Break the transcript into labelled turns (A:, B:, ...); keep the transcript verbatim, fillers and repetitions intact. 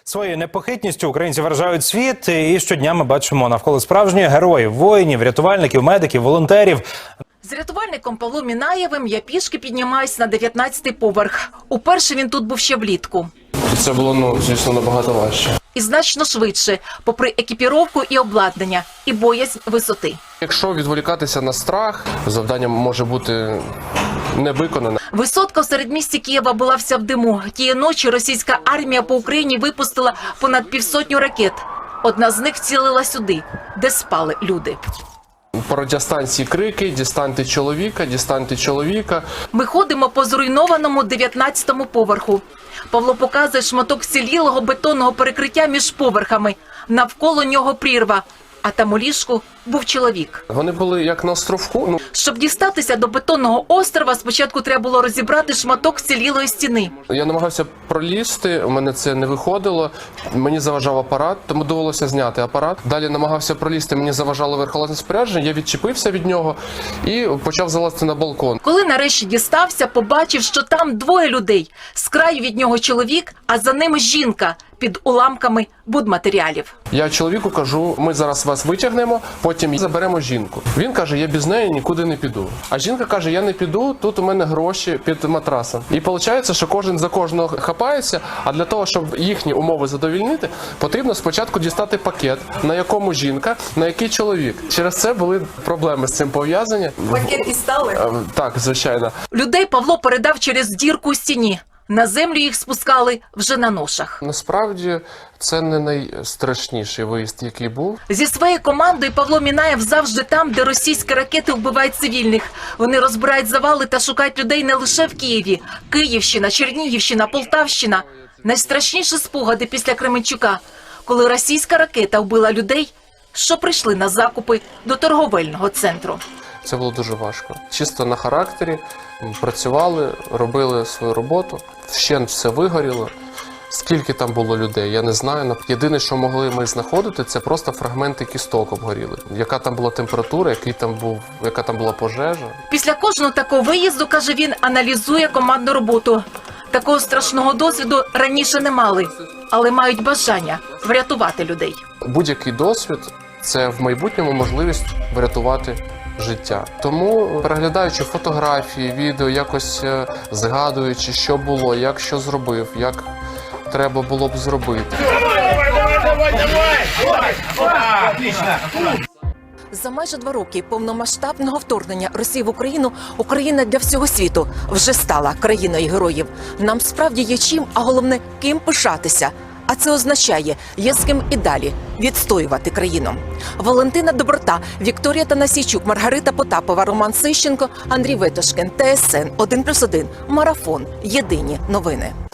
A: Своєю непохитністю українці вражають світ, і щодня ми бачимо навколо справжніх героїв, воїнів, рятувальників, медиків, волонтерів.
B: З рятувальником Павлом Мінаєвим я пішки піднімаюсь на дев'ятнадцятий поверх. Уперше він тут був ще влітку.
C: Це було, ну, звісно, набагато важче.
B: І значно швидше, попри екіпіровку і обладнання, і боязнь висоти.
C: Якщо відволікатися на страх, завдання може бути не виконане.
B: Висотка в середмісті Києва була вся в диму. Тієї ночі російська армія по Україні випустила понад півсотню ракет. Одна з них цілила сюди, де спали люди.
C: По радіостанції крики: «Дістаньте чоловіка, дістаньте чоловіка».
B: Ми ходимо по зруйнованому дев'ятнадцятому поверху. Павло показує шматок вцілілого бетонного перекриття між поверхами. Навколо нього прірва, а там у ліжку був чоловік.
C: Вони були як на островку. Ну,
B: Щоб дістатися до бетонного острова, спочатку треба було розібрати шматок вцілілої стіни.
C: я намагався пролізти, у мене це не виходило, мені заважав апарат, тому довелося зняти апарат. Далі намагався пролізти, мені заважало верхолазне спорядження, я відчепився від нього і почав залазити на балкон.
B: Коли нарешті дістався, побачив, що там двоє людей. З краю від нього чоловік, а за ними жінка під уламками будматеріалів.
C: Я чоловіку кажу: ми зараз вас витягнемо, потім заберемо жінку. Він каже: я без неї нікуди не піду. А жінка каже: я не піду, тут у мене гроші під матрасом. І виходить, що кожен за кожного хапається, а для того, щоб їхні умови задовільнити, потрібно спочатку дістати пакет, на якому жінка, на який чоловік. Через це були проблеми з цим пов'язані.
B: Пакет дістали?
C: Так, звичайно.
B: Людей Павло передав через дірку у стіні. На землю їх спускали вже на ношах.
C: Насправді, це не найстрашніший виїзд, який був.
B: Зі своєю командою Павло Мінаєв завжди там, де російські ракети вбивають цивільних. Вони розбирають завали та шукають людей не лише в Києві. Київщина, Чернігівщина, Полтавщина. Найстрашніші спогади після Кременчука, коли російська ракета вбила людей, що прийшли на закупи до торговельного центру.
C: Це було дуже важко. Чисто на характері, працювали, робили свою роботу, вщент все вигоріло. Скільки там було людей, я не знаю. Єдине, що могли ми знаходити, це просто фрагменти кісток обгоріли. Яка там була температура, який там був, яка там була пожежа.
B: Після кожного такого виїзду, каже він, аналізує командну роботу. Такого страшного досвіду раніше не мали, але мають бажання врятувати людей.
C: Будь-який досвід – це в майбутньому можливість врятувати життя. Тому, переглядаючи фотографії, відео, якось згадуючи, що було, як що зробив, як треба було б зробити.
B: За майже два роки повномасштабного вторгнення Росії в Україну Україна для всього світу вже стала країною героїв. Нам справді є чим, а головне, ким пишатися. А це означає, є з ким і далі відстоювати країну. Валентина Доброта, Вікторія Танасійчук, Маргарита Потапова, Роман Сищенко, Андрій Ветошкін, Т С Н один плюс один, Марафон. Єдині новини.